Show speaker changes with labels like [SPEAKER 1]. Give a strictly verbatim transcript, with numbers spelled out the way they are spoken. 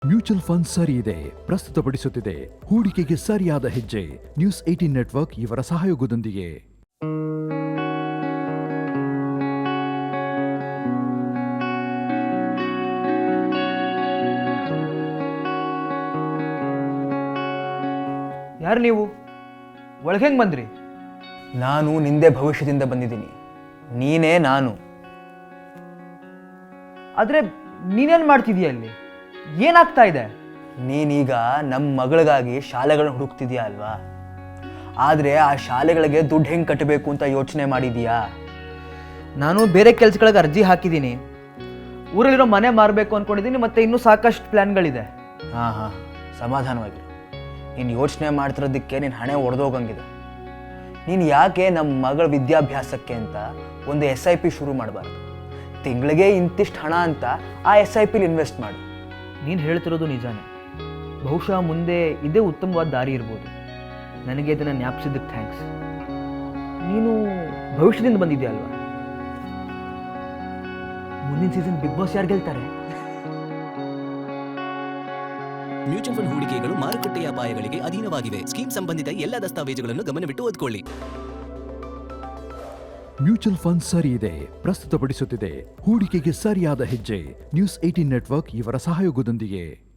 [SPEAKER 1] Mutual fund ಸರಿ ಇದೆ ಪ್ರಸ್ತುತಪಡಿಸುತ್ತಿದೆ ಹೂಡಿಕೆಗೆ ಸರಿಯಾದ ಹೆಜ್ಜೆ. ನ್ಯೂಸ್ ಏಟೀನ್ ನೆಟ್ವರ್ಕ್ ಇವರ ಸಹಯೋಗದೊಂದಿಗೆ.
[SPEAKER 2] ಯಾರು ನೀವು? ಒಳಗೆ ಹೆಂಗೆ ಬಂದ್ರಿ?
[SPEAKER 3] ನಾನು ನಿಂದೆ ಭವಿಷ್ಯದಿಂದ ಬಂದಿದ್ದೀನಿ. ನೀನೇ ನಾನು.
[SPEAKER 2] ಆದರೆ ನೀನೇನು ಮಾಡ್ತಿದೀಯ ಅಲ್ಲಿ? ಏನಾಗ್ತಾ ಇದೆ?
[SPEAKER 3] ನೀನೀಗ ನಮ್ಮ ಮಗಳಿಗಾಗಿ ಶಾಲೆಗಳನ್ನ ಹುಡುಕ್ತಿದ್ಯಾ ಅಲ್ವಾ? ಆದರೆ ಆ ಶಾಲೆಗಳಿಗೆ ದುಡ್ಡು ಹೆಂಗೆ ಕಟ್ಟಬೇಕು ಅಂತ ಯೋಚನೆ ಮಾಡಿದೀಯಾ?
[SPEAKER 2] ನಾನು ಬೇರೆ ಕೆಲಸಗಳಿಗೆ ಅರ್ಜಿ ಹಾಕಿದ್ದೀನಿ. ಊರಲ್ಲಿರೋ ಮನೆ ಮಾರಬೇಕು ಅಂದ್ಕೊಂಡಿದ್ದೀನಿ. ಮತ್ತು ಇನ್ನೂ ಸಾಕಷ್ಟು ಪ್ಲ್ಯಾನ್ಗಳಿದೆ.
[SPEAKER 3] ಹಾಂ ಹಾಂ ಸಮಾಧಾನವಾಗಿರು. ನೀನು ಯೋಚನೆ ಮಾಡ್ತಿರೋದಕ್ಕೆ ನೀನು ಹಣೆ ಒಡೆದೋಗಂಗಿದೆ. ನೀನು ಯಾಕೆ ನಮ್ಮ ಮಗಳ ವಿದ್ಯಾಭ್ಯಾಸಕ್ಕೆ ಅಂತ ಒಂದು ಎಸ್ ಐ ಪಿ ಶುರು ಮಾಡಬಾರ್ದು? ತಿಂಗಳಿಗೆ ಇಂತಿಷ್ಟು ಹಣ ಅಂತ ಆ ಎಸ್ ಐ ಪಿಲಿ ಇನ್ವೆಸ್ಟ್ ಮಾಡಿ.
[SPEAKER 2] ನೀನು ಹೇಳ್ತಿರೋದು ನಿಜಾನೇ. ಬಹುಶಃ ಮುಂದೆ ಇದೇ ಉತ್ತಮವಾದ ದಾರಿ ಇರ್ಬೋದು. ನನಗೆ ಇದನ್ನು ಜ್ಞಾಪಿಸಿದ್ದಕ್ಕೆ ಥ್ಯಾಂಕ್ಸ್. ನೀನು ಭವಿಷ್ಯದಿಂದ ಬಂದಿದ್ಯಾ ಅಲ್ವಾ? ಮುಂದಿನ ಸೀಸನ್ ಬಿಗ್ ಬಾಸ್ ಯಾರು ಗೆಲ್ತಾರೆ?
[SPEAKER 4] ಮ್ಯೂಚುವಲ್ ಫಂಡ್ ಹೂಡಿಕೆಗಳು ಮಾರುಕಟ್ಟೆಯ ಅಪಾಯಗಳಿಗೆ ಅಧೀನವಾಗಿವೆ. ಸ್ಕೀಮ್ ಸಂಬಂಧಿತ ಎಲ್ಲ ದಸ್ತಾವೇಜುಗಳನ್ನು ಗಮನವಿಟ್ಟು ಓದಿಕೊಳ್ಳಿ.
[SPEAKER 1] ಮ್ಯೂಚುವಲ್ ಫಂಡ್ ಸರಿ ಇದೆ ಪ್ರಸ್ತುತಪಡಿಸುತ್ತಿದೆ ಹೂಡಿಕೆಗೆ ಸರಿಯಾದ ಹೆಜ್ಜೆ. ನ್ಯೂಸ್ ಏಟೀನ್ ನೆಟ್ವರ್ಕ್ ಇವರ ಸಹಯೋಗದೊಂದಿಗೆ.